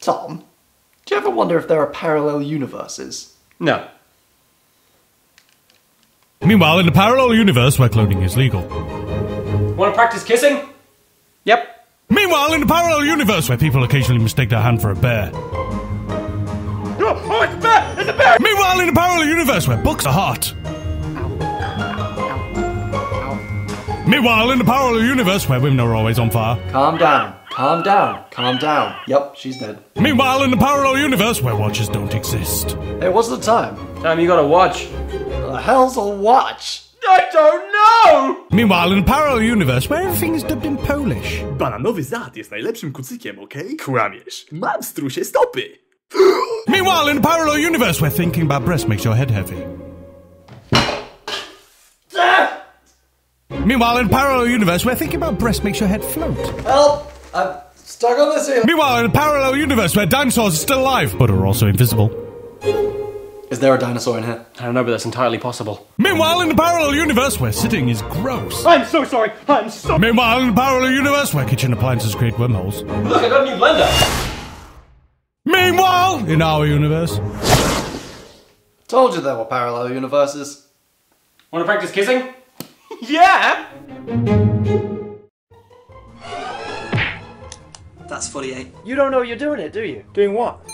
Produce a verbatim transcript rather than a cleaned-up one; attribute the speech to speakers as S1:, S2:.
S1: Tom, do you ever wonder if there are parallel universes?
S2: No.
S3: Meanwhile, in a parallel universe where cloning is legal.
S2: Want to practice kissing? Yep.
S3: Meanwhile, in a parallel universe where people occasionally mistake their hand for a bear.
S2: Oh, oh it's a bear! It's a bear!
S3: Meanwhile, in a parallel universe where books are hot. Meanwhile, in a parallel universe where women are always on fire.
S1: Calm down, calm down, calm down. Yep, she's dead.
S3: Meanwhile, in a parallel universe where watches don't exist.
S1: Hey, what's the time?
S2: Time you gotta watch.
S1: What the hell's a watch?
S2: I don't know!
S3: Meanwhile, in a parallel universe where everything is dubbed in Polish.
S4: Bananowy zad jest najlepszym kucykiem, okej? Kłamiesz. Mam strusie stopy.
S3: Meanwhile, in a parallel universe where thinking about breasts makes your head heavy. Meanwhile, in a parallel universe where thinking about breasts makes your head float.
S1: Help! I'm stuck on this here.
S3: Meanwhile, in a parallel universe where dinosaurs are still alive, but are also invisible.
S1: Is there a dinosaur in here?
S2: I don't know, but that's entirely possible.
S3: Meanwhile, in a parallel universe where sitting is gross.
S2: I'm so sorry! I'm so-
S3: Meanwhile, in a parallel universe where kitchen appliances create wormholes.
S2: Look, I got a new blender!
S3: Meanwhile, in our universe.
S1: Told you there were parallel universes.
S2: Want to practice kissing? Yeah!
S5: That's forty-eight.
S6: You don't know you're doing it, do you?
S2: Doing what?